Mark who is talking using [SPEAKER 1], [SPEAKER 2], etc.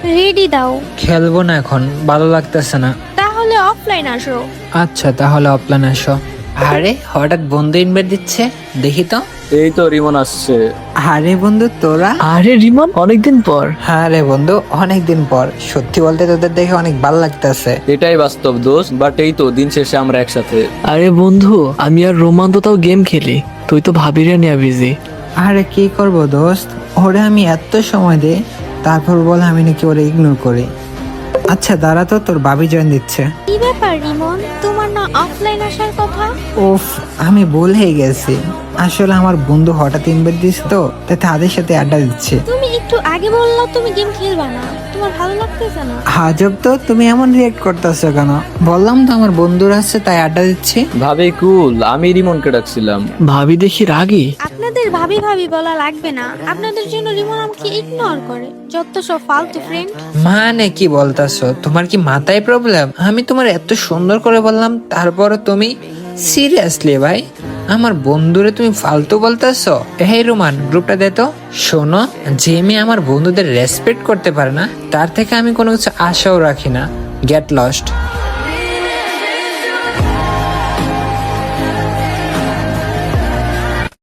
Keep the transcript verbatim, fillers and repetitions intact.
[SPEAKER 1] Ready দাও।
[SPEAKER 2] খেলবো না এখন, ভালো লাগতেছে না।
[SPEAKER 1] তাহলে অফলাইন আসো।
[SPEAKER 2] আচ্ছা তাহলে অফলাইন আসো। আরে হঠাৎ বন্ধু ইনভাইট দিচ্ছে, দেখি তো।
[SPEAKER 3] এই তো রিমন আসছে।
[SPEAKER 2] আরে বন্ধু তোরা।
[SPEAKER 4] আরে রিমন, অনেকদিন পর।
[SPEAKER 2] হ্যাঁ রে বন্ধু, অনেকদিন পর। সত্যি বলতে তোদের দেখে অনেক ভালো লাগতেছে।
[SPEAKER 3] এটাই বাস্তব দোস্ত, বাট এই তো দিন শেষে আমরা একসাথে।
[SPEAKER 4] আরে বন্ধু, আমি আর রোমান তো তাও গেম খেলি, তুই তো ভাবিরে নিয়ে বিজি।
[SPEAKER 2] আরে কি করব দোস্ত, ওরে আমি এত সময় দেই, তারপর বল আমি নাকি ওরে ইগনোর করি। আচ্ছা দাঁড়া তো, তোর ভাবি জয়েন দিচ্ছে।
[SPEAKER 1] কি ব্যাপার রিমন, তোমার না অফলাইন আসার কথা?
[SPEAKER 2] উফ, আমি ভুলে গেছি। আসলে আমার বন্ধু হঠাৎ ইনভাইট দিস তো, তাই তাদের সাথে আড্ডা দিচ্ছে।
[SPEAKER 1] তুমি একটু আগে বললা তুমি গেম খেলবা না, তোমার ভালো লাগতেছে না?
[SPEAKER 2] আজব তো, তুমি এমন রিয়েক্ট করতেছো কেন? বললাম তো আমার বন্ধুরা আছে তাই আড্ডা দিচ্ছি।
[SPEAKER 3] ভাবি কুল, আমি রিমনকে ডাকছিলাম।
[SPEAKER 4] ভাবি দেখি রাগি।
[SPEAKER 1] আপনাদের ভাবি ভাবি বলা লাগবে না, আপনাদের জন্য রিমন আমাকে ইগনোর করে, যত সব ফালতু ফ্রেন্ড।
[SPEAKER 2] মানে কি বলতাছো? তোমার কি মাথায় প্রবলেম? আমি তোমার এত সুন্দর করে বললাম, তারপরে তুমি সিরিয়াসলি ভাই আমার বন্ধুরে তুমি ফালতু বলতেছো? হে রোমান, গ্রুপটা দে তো। শোনো, যে মেয়ে আমার বন্ধুদের রেসপেক্ট করতে পারে না, তার থেকে আমি কোনো কিছু আশাও রাখি না। Get lost.